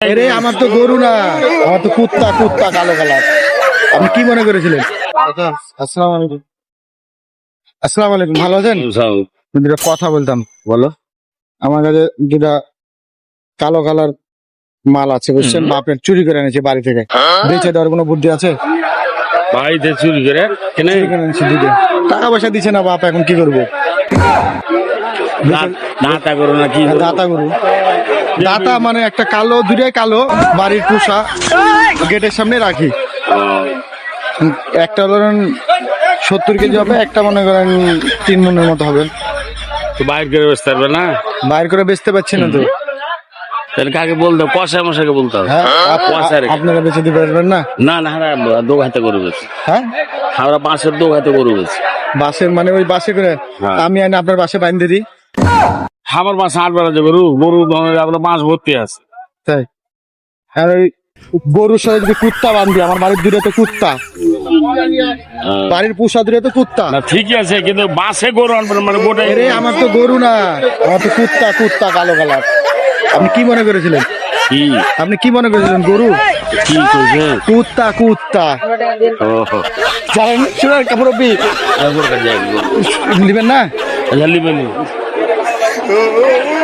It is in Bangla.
আরে আমার তো গরু না, আমার তো কুত্তা, কুত্তা কালো কালার। আপনি কি মনে করেছিলেন? আসসালামু আলাইকুম। আসসালামু আলাইকুম, ভালো আছেন? দুটা কথা বলতাম। বলো। আমার কাছে দুটা কালো কালার মাল আছে, বুঝছেন? বাপের চুরি করে এনেছে বাড়ি থেকে। বেঁচে দেওয়ার কোনো বুদ্ধি আছে? বাড়িতে চুরি করে কেনে চুরি করে এনেছে দুটো। টাকা পয়সা দিচ্ছে না বাপ, এখন কি করবো? দাতা করো না কি দাতা গরু, দাতা মানে একটা কালো, দুটাই কালো, বাড়ির পোষা, গেটের সামনে রাখি। একটা ধরেন 70 কেজি হবে, একটা মনে করেন 3 মনের মতো হবে। তো বাইর করে বেচতে পারবে না, বাইর করে বেচতে পারছি না তো। তাহলে কাকে বলতো? কষা মশাকে বলতে হবে। হ্যাঁ, পয়সা রেখে। আপনারা বেচে দিতে পারবেন না? না না, আমরা দো হাতে গরু বেছি। হ্যাঁ, আমরা বাঁশের দো হাতে গরু বেছি। বাসের মানে ওই বাসে করে হ্যাঁ। আমি আনি আপনার বাসে বাইন্ধে দিই, আমার বাসা 8 বেলা যে গরু গরু আপনার বাঁশ ভর্তি আছে। তাই? আর ওই গরুর সাথে যদি কুত্তা বান্ধি, আমার বাড়ির দূরে তো কুত্তা, বাড়ির পোষা দূরে তো কুত্তা। না ঠিকই আছে, কিন্তু বাসে গরু আনবেন মানে গোটাই। আরে আমার তো গরু না, আমার তো কুত্তা, কুত্তা কালো কালার। আপনি কি মনে করেছিলেন? কি আপনি কি মনে করেছিলেন? গরু? কি করছে? কুত্তা, কুত্তা। ওহো, জানেন, শুনেন কাপড়বি একবার কাজে একবার নিবেন না? লিবেন।